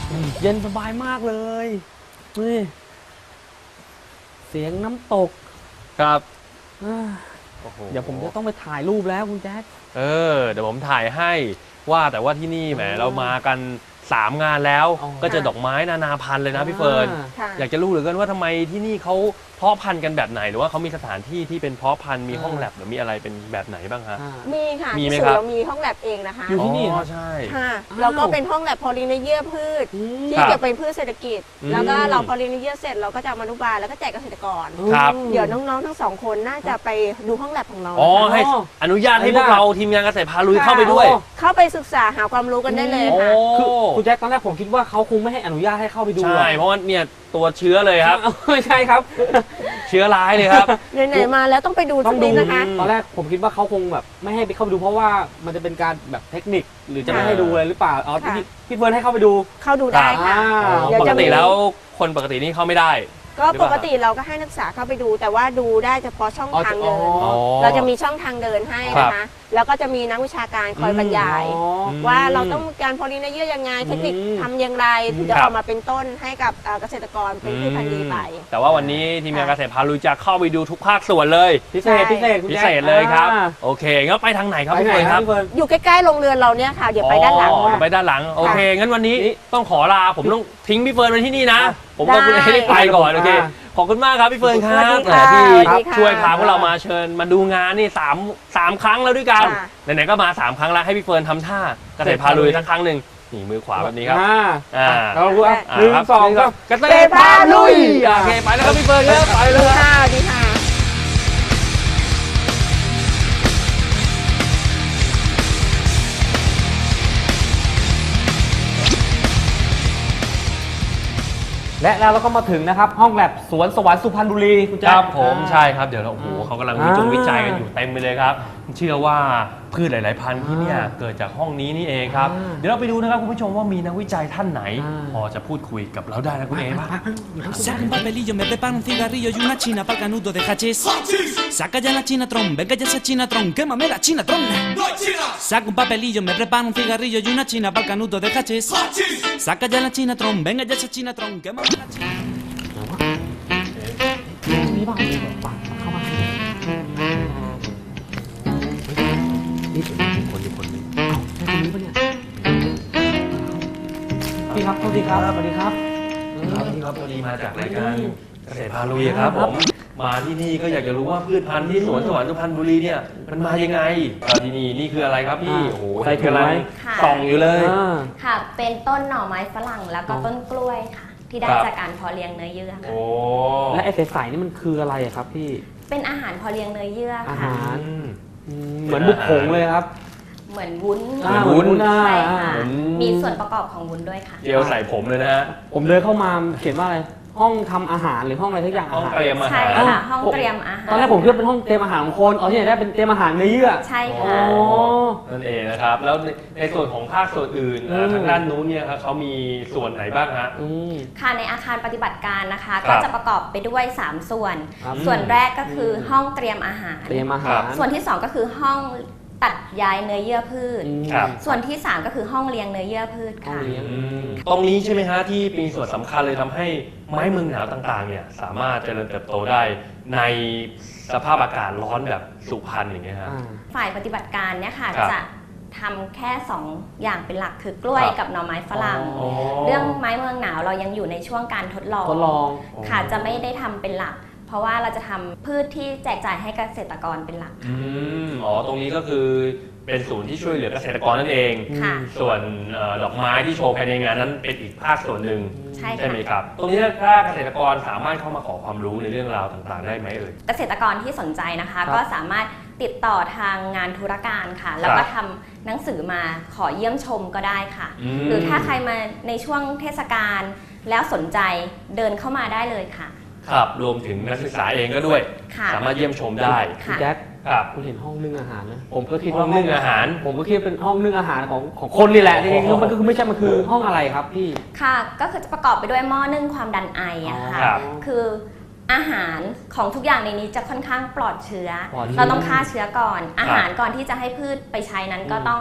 เย็นสบายมากเลยนี่เสียงน้ำตกครับเดี๋ยวผมจะต้องไปถ่ายรูปแล้วคุณแจ๊คเดี๋ยวผมถ่ายให้ว่าแต่ว่าที่นี่แหมเรามากัน3 งานแล้ว ก็จะดอกไม้นานาพันธุ์เลยนะพี่เฟิร์นอยากจะรู้เหลือเกินว่าทำไมที่นี่เขาเพาะพันธุ์กันแบบไหนหรือว่าเขามีสถานที่ที่เป็นเพาะพันธุ์มีห้องแลบหรือมีอะไรเป็นแบบไหนบ้างฮะมีค่ะมีไหมที่ครับเรามีห้องแลบเองนะคะอยู่ที่นี่ใช่ค่ะแล้วก็เป็นห้องแลบพอลินเยียพืชที่ครับเกี่ยวเป็นพืชเศรษฐกิจอืมแล้วก็เราพอลินเยียเสร็จเราก็จะเอามาอนุบาลแล้วก็แจกเกษตรกรครับเดี๋ยวน้องๆทั้งสองคนน่าจะไปดูห้องแลบของเราอ๋อนะคะให้อนุญาตให้พวกเราทีมงานเกษตรพาลุยเข้าไปด้วยเข้าไปศึกษาหาความรู้กันได้เลยค่ะคือคุณแจ๊คตอนแรกผมคิดว่าเขาคงไม่ให้อนุญาตให้เข้าไปดูหรใช่อกเพราะว่าเนี่ยตัวเชื้อเลยครับไม่ใช่ครับเชื้อร้ายเลยครับไหนๆมาแล้วต้องไปดูต้สัอก งดูนิดนะคะตอนแรกผมคิดว่าเขาคงแบบไม่ให้ไปเข้าไปดูเพราะว่ามันจะเป็นการแบบเทคนิคหรือจะไม่ให้ดูอะไรหรือเปล่าอ๋อค่ะพี่เฟิร์นให้เข้าไปดูเข้าดูได้ค่ะอ่าเดี๋ยวปกจะติมีแล้วคนปกตินี่เข้าไม่ได้ก็หรือเปปล่ากติเราก็ให้นักศึกษาเข้าไปดู แต่ว่าดูได้เฉพาะช่องทางเดินอ๋อเราจะมีช่องทางเดินให้นะคะ แล้วก็จะมีนักวิชาการคอยบรรยายอ๋อว่าเราต้องการพอลินเยียยังไงเทคนิคทำอย่างไรถึงจะครัอบ อกมาเป็นต้นให้กับเกษตรกรเป็นพืชพันธุ์ดีไปแต่ว่าวันนี้ทีมงานเกษตรพาลุยจะเข้าไปดูทุกภาคส่วนเลยพิเศษคุณพิแจ๊คเศษเลยครับอ่าโอเคงั้นไปทางไหนครับไปพี่ไหนเฟิร์นคครัรับบ พี่เฟิร์นอยู่ใกล้ๆโรงเรือนเราเนี่ยค่ะ เดี๋ยวไปด้านหลังอ๋อค่ะไปด้านหลังโอเคงั้นวันนี้ต้องขอลาผมต้องทิ้งพี่เฟิร์นไว้ที่นี่นะ ผมกับคุณได้เอได้ไปก่อนโอเคขอบคุณมากครับพี่เฟิร์นครับสวัสดีค่ะที่สวัสดีค่ะช่วยพาพวกเรามาเชิญมาดูงานนี่สามครั้งแล้วด้วยกันค่ะไหนๆก็มา3 ครั้งแล้วให้พี่เฟิร์นทำท่าเกษตรพาลุยสักครั้งหนึ่งนี่มือขวาแบบนี้ครับเรารู้ว่าอ่าหนึ่งครับสองก็เกษตรพาลุยโอเคไปแล้วครับพี่เฟิร์นครับไปเลยค่ะดีค่ะและแล้วเราก็มาถึงนะครับห้องแลบสวนสวรรค์สุพรรณบุรีคุณคแจ๊ครับผมใช่ครับเดี๋ยวเราโอ้โหเขากำลังวิจัยกันอยู่เต็มไปเลยครับ เชื่อว่าพืชหลาย ๆ พันธุ์ที่เนี่ยเกิดจากห้องนี้นี่เองครับ เดี๋ยวเราไปดูนะครับคุณผู้ชมว่ามีนักวิจัยท่านไหน พอจะพูดคุยกับเราได้นะคุณเอบ้าง Saca un papelillo, me preparo un cigarrillo y una china pa'l canuto de hachís. Saca ya la chinatron, venga ya esa chinatron, quémame la chinatron. Saca un papelillo, me preparo un cigarrillo y una china pa'l canuto de hachís. Saca ya la chinatron, venga ya esa chinatron, quémame la chinatron. นี่บ้างเลยแบบปังเข้ามานี่คนนี้คนนี้เอ้าใช่คนนี้ปะเนี่ยพี่ครับสวัสดีครับสวัสดีครับครับพี่ครับพอดีมาจากรายการเกษตรพาลุยครับผมมาที่นี่ก็อยากจะรู้ว่าพืชพันธุ์ที่สวนสวรรค์สุพรรณบุรีเนี่ยมันมายังไงที่นี่คืออะไรครับพี่โอ้โหใส่ถุงไว้ค่ะส่องอยู่เลยค่ะ เป็นต้นหน่อไม้ฝรั่งแล้วก็ต้นกล้วยค่ะ ที่ได้ครับจากการเพาะเลี้ยงเนื้อเยื่อค่ะโอ้และไอ้ใสๆนี่มันคืออะไรอะครับพี่เป็นอาหารเพาะเลี้ยงเนื้อเยื่ออาค่ะหารเหมือนบุกผงเลยครับเหมือนวุ้นเหมือนวุ้นใช่ค่ะอืมมีส่วนประกอบของวุ้นด้วยค่ะเจลใส่ผมเลยนะฮะผมเดินเข้ามาเขียนว่าอะไรห้องทำอาหารหรือห้องอะไรทุกอย่างห้องอาหารเตรียมอาใช่หารค่ะ ห้องเตรียมอาหารตอนแรกผมคิดว่าเป็นห้องเตรียมอาหารของคนที่ไหนได้เป็นเตรียมอาหารเนื้อเยื่อใช่อ๋อค่ะนั่นเองนะครับ แล้วในส่วนของภาคส่วนอื่นทางด้านนู้นเนี่ยครับเขามีส่วนไหนบ้างฮะค่ะในอาคารปฏิบัติการนะคะครับก็จะประกอบไปด้วย 3 ส่วนครับส่วนแรกก็คือห้องเตรียมอาหารเตรียมอาหารส่วนที่ 2 ก็คือห้องตัดย้ายเนื้อเยื่อพืชครับส่วนที่ 3 ก็คือห้องเลี้ยงเนื้อเยื่อพืชห้องค่ะเลี้ยงตรงนี้ใช่ไหมฮะที่มีส่วนสำคัญเลยทำให้ไม้เมืองหนาวต่างๆเนี่ยสามารถเจริญเติบโตได้ในสภาพอากาศร้อนแบบสุพรรณอย่างเงี้ยฮะฝ่ายปฏิบัติการเนี่ยค่ะครับจะทำแค่ 2 อย่างเป็นหลักคือกล้วยครับกับหน่อไม้ฝรั่งอ๋อเรื่องไม้เมืองหนาวเรายังอยู่ในช่วงการทดลองทดลองค่ะจะไม่ได้ทำเป็นหลัก เพราะว่าเราจะทำพืชที่แจกจ่ายให้เกษตรกรเป็นหลักอ๋อตรงนี้ก็คือเป็นศูนย์ที่ช่วยเหลือเกษตรกรนั่นเองค่ะส่วนดอกไม้ที่โชว์ภายในงานนั้นเป็นอีกภาคส่วนหนึ่งใช่ใช่ไหมค่ะครับ ตรงนี้ถ้าเกษตรกรสามารถเข้ามาขอความรู้ในเรื่องราวต่างๆ ได้ไหมเอ่ยเกษตรกรที่สนใจนะคะครับก็สามารถติดต่อทางงานธุรการค่ะ แล้วก็ทำหนังสือมาขอเยี่ยมชมก็ได้ค่ะ หรือถ้าใครมาในช่วงเทศกาลแล้วสนใจเดินเข้ามาได้เลยค่ะครับรวมถึงนักศึกษาเองก็ด้วยค่ะสามารถเยี่ยมชมได้คุณค่ะแจ็คครับคุณเห็นห้องนึ่งอาหารนะผมก็คิดห้อว่างนึ่งอาหารผมก็คิดว่าเป็นห้องนึ่งอาหารของคนนี่แหละจริงๆคือมันก็คือไม่ใช่มันคือห้องอะไรครับพี่ค่ะก็คือจะประกอบไปด้วยหม้อนึ่งความดันไออะค่ะครับคืออาหารของทุกอย่างในนี้จะค่อนข้างปลอดเชื้อปลอดเชื้อเราต้องฆ่าเชื้อก่อน อาหารก่อนที่จะให้พืชไปใช้นั้นก็ต้อง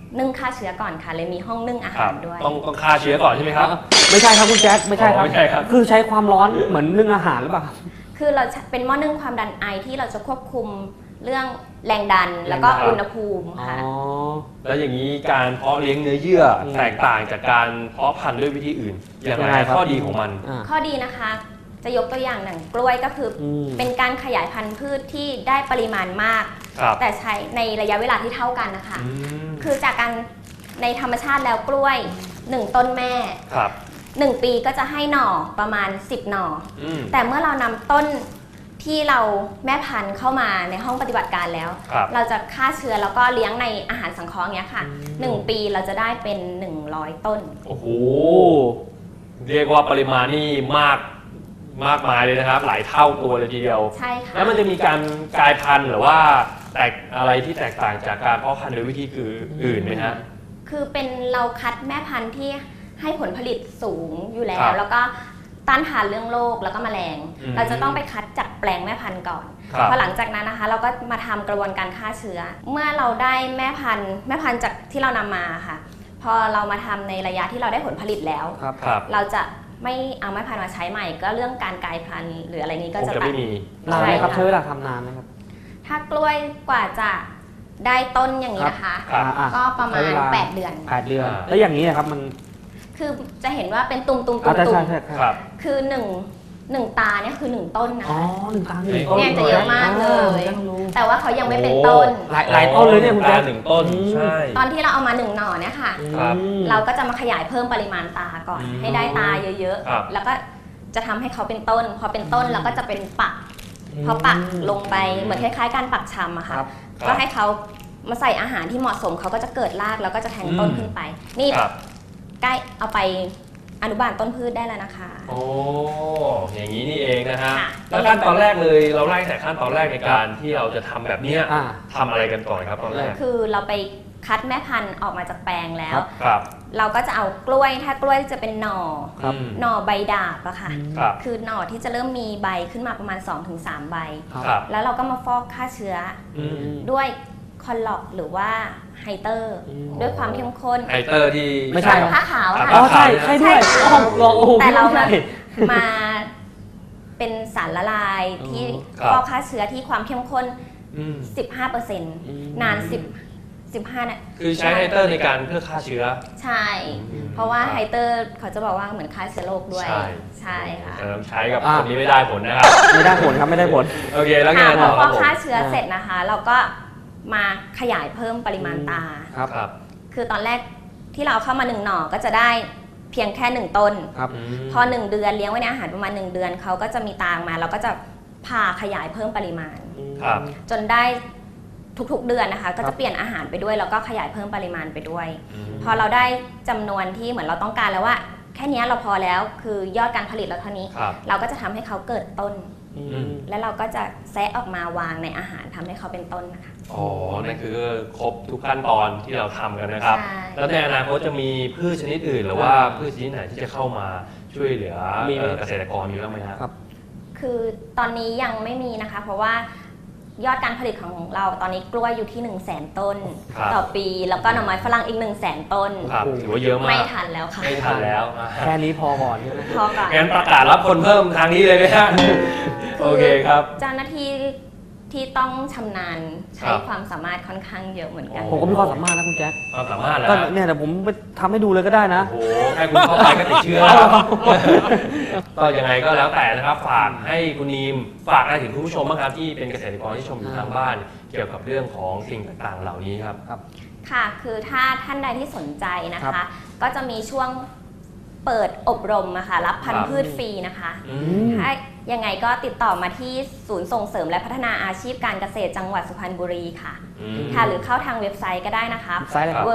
นึ่งฆ่าเชื้อก่อนค่ะเลยมีห้องนึ่งอาครัหาบรด้วยต้องฆ่าเชื้อก่อนใช่ไหมครับไม่ใช่ครับคุณแจ็คไม่ใช่ครับไม่ใช่ครับคือใช้ความร้อนเหมือนนึ่งอาหารหรือเปล่าคือเราเป็นหม้อนึ่งความดันไอที่เราจะควบคุมเรื่องแรงดันแล้วก็แรงดันอุณหภูมิอ๋อค่ะแล้วอย่างนี้การเพาะเลี้ยงเนื้อเยื่อแตกต่างจากการเพาะพันธุ์ด้วยวิธีอื่นยังไงยังไงครับข้อดีของมันอ่าข้อดีนะคะจะยกตัวอย่างหนังกล้วยก็คืออมเป็นการขยายพันธุ์พืชที่ได้ปริมาณมากครับแต่ใช้ในระยะเวลาที่เท่ากันนะคะอืมคือจากการในธรรมชาติแล้วกล้วย 1 ต้นแม่ครับ 1 ปีก็จะให้หน่อประมาณ 10 หน่ออืมแต่เมื่อเรานำต้นที่เราแม่พันธุ์เข้ามาในห้องปฏิบัติการแล้วครับเราจะฆ่าเชื้อแล้วก็เลี้ยงในอาหารสังเคราะห์เนี้ยค่ะ 1 ปีเราจะได้เป็น 100 ต้นโอ้โหเรียกว่าปริมาณนี่มากมายเลยนะครับ หลายเท่าตัวเลยทีเดียวใช่ค่ะแล้วมันจะมีการกลายพันธุ์หรือว่าแตกอะไรที่แตกต่างจากการเพาะพันธุ์โดยวิธีอื่นไหมฮะคือเป็นเราคัดแม่พันธุ์ที่ให้ผลผลิตสูงอยู่แล้ครัวบแล้วก็ต้านทานเรื่องโรคแล้วก็แมลงอืมเราจะต้องไปคัดจากแปลงแม่พันธุ์ก่อนครับพอหลังจากนั้นนะคะ เราก็มาทำกระบวนการฆ่าเชื้อ เมื่อเราได้แม่พันธุ์จากที่เรานำมาค่ะ พอเรามาทำในระยะที่เราได้ผลผลิตแล้วครับครับเราจะไม่เอาแม่พันธุ์มาใช้ใหม่ ก็เรื่องการกลายพันธุ์หรืออะไรนี้ก็คงจะจะตัดไม่มีนานไหมครับใช่ค่ะใช้เวลาทำนานไหมครับถ้ากล้วยกว่าจะได้ต้นอย่างนี้นะคะครับอ่าก็ประมาใช้ณเวลา 8 เดือน 8 เดือนอ่าแล้วอย่างนี้นะครับมันคือจะเห็นว่าเป็นตุ่มๆอ่าใช่ตุ่ใช่มใช่ครับคือหนึ่งตาเนี่ยคือ1 ต้นนะอ๋อคะหนึ่งตาหนึ่งต้นเนี่ยจะเยอะมากเลยอ่าต้องรู้แต่ว่าเขายังไม่เป็นต้นหลายต้นเลยเนี่ยคุณแจ๊คตาหนึ่งต้นอืมใช่ตอนที่เราเอามา1 หน่อเนี่ยค่ะครับอืมเราก็จะมาขยายเพิ่มปริมาณตาก่อนอืมให้ได้ตาเยอะครับๆ แล้วก็จะทำให้เขาเป็นต้น พอเป็นต้นเราก็จะเป็นปัก พอปักลงไปเหมือนคล้ายๆการปักชำอะค่ะครับก็ให้เขามาใส่อาหารที่เหมาะสมเขาก็จะเกิดรากแล้วก็จะแทงต้นขึ้นไป นี่ครับใกล้เอาไปอนุบาลต้นพืชได้แล้วนะคะโอ้อย่างนี้นี่เองนะฮะค่ะแล้วขั้นตอนแรกเลยเราไล่แต่ขั้นตอนแรกในการที่เราจะทำแบบเนี้ยอ่าทำอะไรกันก่อนครับตอนแรกคือเราไปคัดแม่พันธุ์ออกมาจากแปลงแล้วครับครับเราก็จะเอากล้วยถ้ากล้วยจะเป็นหน่อครับอืมหน่อใบดาบอะค่ะครับคือหน่อที่จะเริ่มมีใบขึ้นมาประมาณ 2-3 ใบครับแล้วเราก็มาฟอกฆ่าเชื้ออืมด้วยคอนล็อกหรือว่าไฮเตอร์อืมด้วยความเข้มข้นไฮเตอร์ที่ไม่ใช่ผ้าขาวครัค่ะบอ๋อใช่ใช่ด้วยใช่อ๋อลองโอ้โหแต่เราไม่มาใช่มาเป็นสารละลายที่ครับฟอกฆ่าเชื้อที่ความเข้มข้นอืม 15% นาน15นะคือใช้ไฮเตอร์ในการเพื่อฆ่าเชื้อใช่อืมเพราะว่าครับไฮเตอร์เขาจะบอกว่าเหมือนฆ่าเชื้อโรคด้วยใช่ใช่ค่ะแต่ใช้กับอ่าคนนี้ไม่ได้ผลนะครับไม่ได้ผลครับไม่ได้ผลโอเคแล้วไงค่ะพต่ออฟครัอบ กผมฆ่าเชื้อเสร็จนะคะ เราก็มาขยายเพิ่มปริมาณตาครับครับคือตอนแรกที่เราเอาเข้ามา1 หน่อก็จะได้เพียงแค่ 1 ต้นครับพอ 1 เดือนเลี้ยงไว้ในอาหารประมาณ 1 เดือนเขาก็จะมีตามาเราก็จะพาขยายเพิ่มปริมาณครับจนได้ทุกๆเดือนนะคะ ก็ครัจะบเปลี่ยนอาหารไปด้วยแล้วก็ขยายเพิ่มปริมาณไปด้วยมพอเราได้จำนวนที่เหมือนเราต้องการแล้วว่า แค่เนี้ยเราพอแล้วคือยอดการผลิตเราเท่านี้ครับเราก็จะทำให้เขาเกิดต้นอืมแล้วเราก็จะแซะออกมาวางในอาหารทำให้เขาเป็นต้นนะคะอ๋อ นั่นคือครบทุกขั้นตอนที่เราทำกันนะครับใช่แล้วในอนาคตจะมีพืชชนิดอื่น หรือว่าพืชชนิดไหนที่จะเข้ามาช่วยเหลือมีไหมเกษตรกรอยู่บ้างไหมครับคือตอนนี้ยังไม่มีนะคะ เพราะว่ายอดการผลิตของเราตอนนี้กล้วยอยู่ที่ 100,000 ต้นครับต่อปี แล้วก็หน่อไม้ฝรั่งอีก 100,000 ต้นครับถือว่าเยอะมาไม่กทันแล้วค่ะไม่ทันแล้วอ่ะแค่นี้พอก่อนใช่ไหมพอก่อนงั้นประกาศรับคนเพิ่มทางนี้เลยไหมฮะ โอเคครับเจ้าหน้าที่ที่ต้องชำนาญใช้ครับความสามารถค่อนข้างเยอะเหมือนกันผมก็มีความสามารถนะคุณแจ็คความสามารถแล้วก็เนี่ยเดี๋ยวผมไปทำให้ดูเลยก็ได้นะโอ้โหแค่คุณเข้าไปก็ติดเชื้อก็ยังไงก็แล้วแต่นะครับ ฝากให้คุณนีมฝากอะไรถึงคุณผู้ชมบ้างครับที่เป็นเกษตรกรที่ชมอยู่ทางบ้าน เกี่ยวกับเรื่องของสิ่งต่างๆ เหล่านี้ครับค่ะ คือถ้าท่านใดที่สนใจนะครัคะบก็จะมีช่วงเปิดอบรมอะค่ะรับพันครัธุ์บพืชฟรีนะคะอือืมมถ้ายังไงก็ติดต่อมาที่ศูนย์ส่งเสริมและพัฒนาอาชีพการเกษตรจังหวัดสุพรรณบุรีค่ะอืมค่ะ หรือเข้าทางเว็บไซต์ก็ได้นะคะไซต์อะไรครับ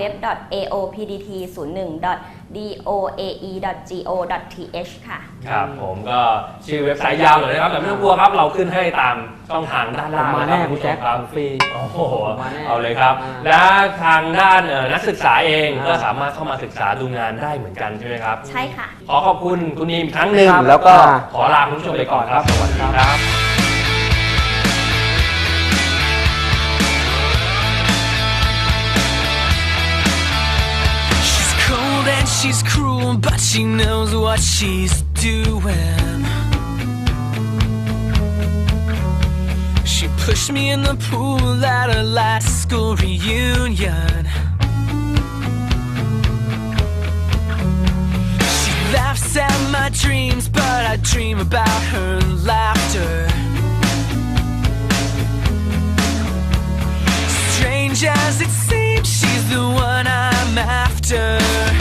www.aopdt01.doae.go.th ค่ะครับผมก็ชื่อเว็บไซต์ยาวหน่อยนะครับแต่ไม่ต้องกลัวครับเราขึ้นให้ตามช่องทางด้านผล่าม งมานะแน่รับคุณแจ็คครับฟรีโอ้โหมาแน่เอาเลยครับอ่าและทางด้านนักศึกษาเองอ่าก็สามารถเข้ามาศึกษาดูงานได้เหมือนกันใช่ไหมครับใช่ค่ะขอขอบคุณคุณนีมอีกครั้งหนึ่งครับแล้วก็อ่าขอลาคุณผู้ชมไปก่อนครับ สวัสดีครับ she's cruel, but she knows what she's doing. She pushed me in the pool at her last school reunion. She laughs at my dreams, but I dream about her laughter. Strange as it seems, she's the one I'm after.